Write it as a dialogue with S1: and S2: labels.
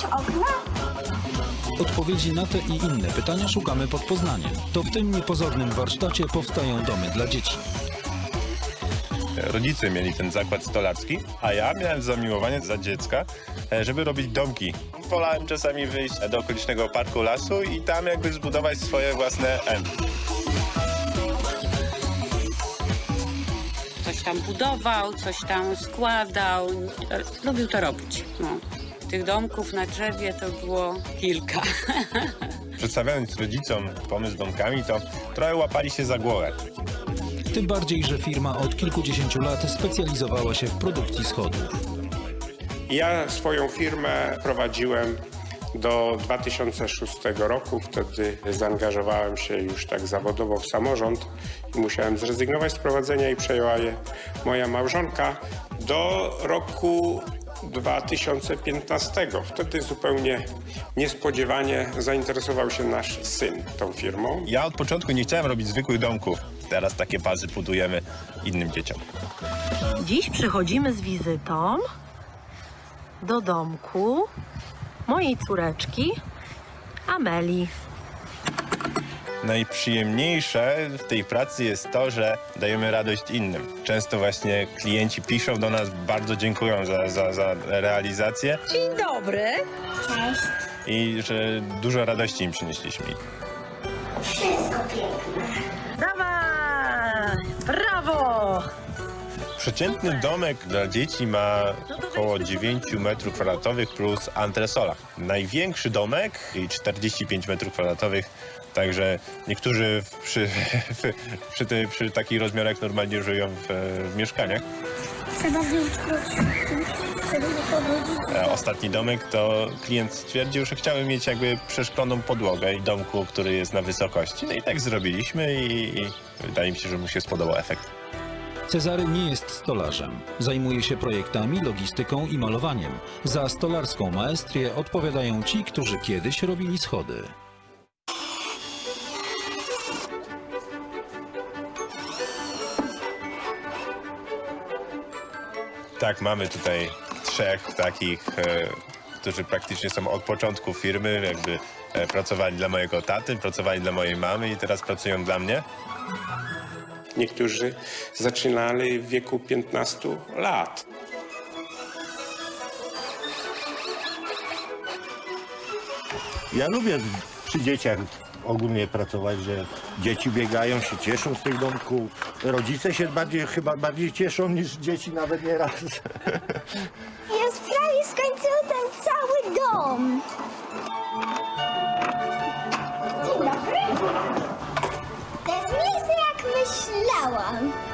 S1: okna?
S2: Odpowiedzi na te i inne pytania szukamy pod Poznaniem. To w tym niepozornym warsztacie powstają domy dla dzieci.
S3: Rodzice mieli ten zakład stolarski, a ja miałem zamiłowanie za dziecka, żeby robić domki. Wolałem czasami wyjść do okolicznego parku lasu i tam jakby zbudować swoje własne M.
S4: Coś tam budował, coś tam składał. Lubił to robić. No. Tych domków na drzewie to było kilka.
S3: Przedstawiając rodzicom pomysł z domkami, to trochę łapali się za głowę.
S2: Tym bardziej, że firma od kilkudziesięciu lat specjalizowała się w produkcji schodów.
S5: Ja swoją firmę prowadziłem do 2006 roku. Wtedy zaangażowałem się już tak zawodowo w samorząd i musiałem zrezygnować z prowadzenia i przejęła je moja małżonka do roku 2015. Wtedy zupełnie niespodziewanie zainteresował się nasz syn tą firmą.
S3: Ja od początku nie chciałem robić zwykłych domków. Teraz takie bazy budujemy innym dzieciom.
S6: Dziś przychodzimy z wizytą do domku mojej córeczki Amelii.
S3: Najprzyjemniejsze w tej pracy jest to, że dajemy radość innym. Często właśnie klienci piszą do nas, bardzo dziękują za realizację.
S6: Dzień dobry.
S1: Cześć.
S3: I że dużo radości im przynieśliśmy.
S1: Wszystko piękne.
S6: Dawaj! Brawo!
S3: Przeciętny domek dla dzieci ma około 9 m² plus antresola. Największy domek i 45 m², także niektórzy przy takich rozmiarach normalnie żyją w mieszkaniach.
S1: Trzeba wyjść żeby nie pobudzić.
S3: Ostatni domek to klient stwierdził, że chciałby mieć jakby przeszkloną podłogę domku, który jest na wysokości. No i tak zrobiliśmy i wydaje mi się, że mu się spodobał efekt.
S2: Cezary nie jest stolarzem. Zajmuje się projektami, logistyką i malowaniem. Za stolarską maestrię odpowiadają ci, którzy kiedyś robili schody.
S3: Tak, mamy tutaj trzech takich, którzy praktycznie są od początku firmy, jakby pracowali dla mojego taty, pracowali dla mojej mamy i teraz pracują dla mnie.
S5: Niektórzy zaczynali w wieku 15 lat.
S7: Ja lubię przy dzieciach ogólnie pracować, że dzieci biegają, się cieszą z tych domków. Rodzice się chyba bardziej cieszą niż dzieci nawet nieraz.
S1: Ja prawie skończyłem ten cały dom. Dzień dobry. To jest miejsce jak myślałam.